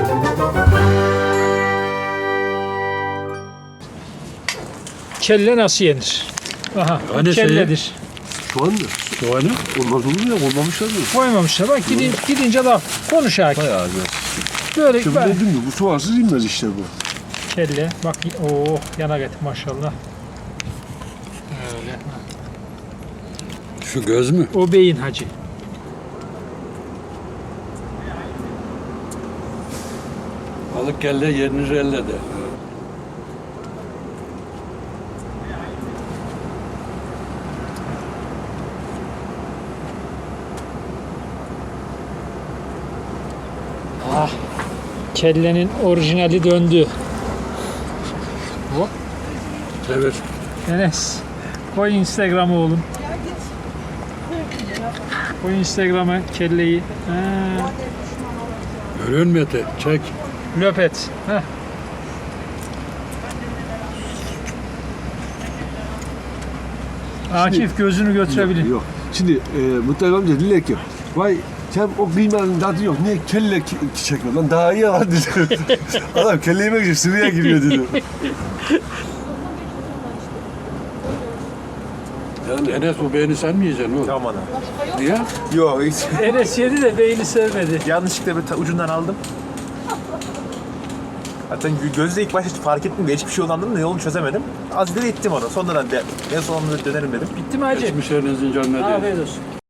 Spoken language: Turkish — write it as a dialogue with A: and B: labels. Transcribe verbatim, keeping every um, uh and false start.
A: Kelle nasıl yenir? Aha,
B: Hani
A: kelledir.
C: Soğan mı?
B: Soğanı
C: Olmaz olur mu ya? Olmamışlar mı?
A: Koymamışlar. Bak gidin, gidince laf. Konuş hakim.
C: Bayağı güzel.
A: Böyle
C: İşte bu
A: ben-
C: dedim ya, bu soğansız inmez işte bu.
A: kelle. Bak oh yana getir maşallah. Öyle.
B: şu göz mü?
A: O beyin hacı.
B: Balık kelle yenir elle de.
A: Ah. Kellenin orijinali döndü. Hop.
B: Evet.
A: Enes. Koy Instagram'a oğlum. Koy Instagram'a kelleyi. Ha.
B: Görüyor musun Mete? Çek.
A: Löpet. Heh. Akif gözünü götürebilir.
C: Yok. Şimdi e, Mutlaka amca dediler ki vay sen o kıymanın tadı yok. Niye kelle ki- çekmiyor lan? Daha iyi var dedi. Adam kelle yemek için sıvıya giriyor dedi.
B: Yani Enes bu beğeni sen mi yiyeceksin oğlum?
D: Tamam ana.
B: Niye?
D: Yok hiç.
A: Enes yedi de beyni sevmedi.
D: Yanlışlıkla bir ta- ucundan aldım. Zaten gö- gözle ilk başta hiç fark ettim de hiçbir şey olandım da yolunu çözemedim. Az ileri ittim onu. Sonradan de, en sonunda dönerim dedim.
A: Bitti mi hacı?
B: Geçmiş Ernez'in canına değil.
A: Afiyet olsun.